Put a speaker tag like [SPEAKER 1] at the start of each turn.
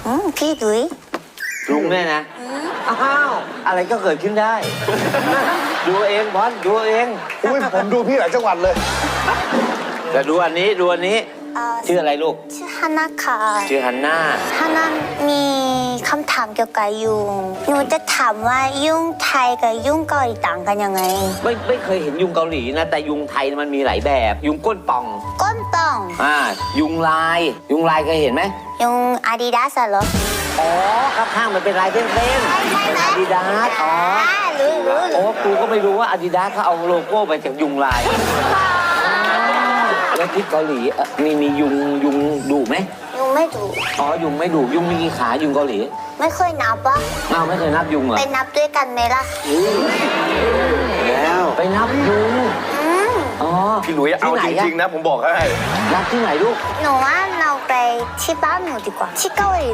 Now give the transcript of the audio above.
[SPEAKER 1] พี่ดุย
[SPEAKER 2] ลุงเนี่ยนะอ้าวอะไรก็เกิดขึ้นได้ ดูเองบอลดูเอง
[SPEAKER 3] อุ้ยผมดูพี่หลายจังหวัดเลย
[SPEAKER 2] แต่ดูอันนี้ดูอันนี้ชื่ออะไรลูก
[SPEAKER 1] ชื่อฮาน่าค่ะ
[SPEAKER 2] ชื่อฮันน่า
[SPEAKER 1] ฮาน่ามีคำถามเกี่ยวกับยุงหนูจะถามว่ายุงไทยกับยุงเกาหลีต่างกันยังไง
[SPEAKER 2] ไม่เคยเห็นยุงเกาหลีนะแต่ยุงไทยมันมีหลายแบบ ยุงก้นป่อง
[SPEAKER 1] ก้นป่อง
[SPEAKER 2] ยุงลายเคยเห็นไหม
[SPEAKER 1] ยุงอาดิดาสเหรอ
[SPEAKER 2] อ๋อข้างๆมันเป็นลายเส้นๆ
[SPEAKER 1] ใช่ไหม
[SPEAKER 2] อาดิดาสอ๋อ
[SPEAKER 1] รู้
[SPEAKER 2] โอ้กูก็ไม่รู้ว่าอาดิดาสเขาเอาโลโก้มาจากยุงลายแล้วที่เกาหลีมียุงดุไหม
[SPEAKER 1] ยุงไม่ดุ
[SPEAKER 2] อ๋อยุงไม่ดุยุงมีกี่ขายุงเกาหลี
[SPEAKER 1] ไม่เคยนับวะ
[SPEAKER 2] อ้าวไม่เคยนับยุงเหรอ
[SPEAKER 1] ไปนับด้วยกันไหมล่ะ
[SPEAKER 3] แล้ว
[SPEAKER 2] ไปนับยุงอ๋อ
[SPEAKER 3] พี่หลุยเอาจริงๆนะผมบอกให้
[SPEAKER 2] นับที่ไหนลูก
[SPEAKER 1] หนูว่าเราไปที่บ้านหนูดีกว่าที่เกาหลี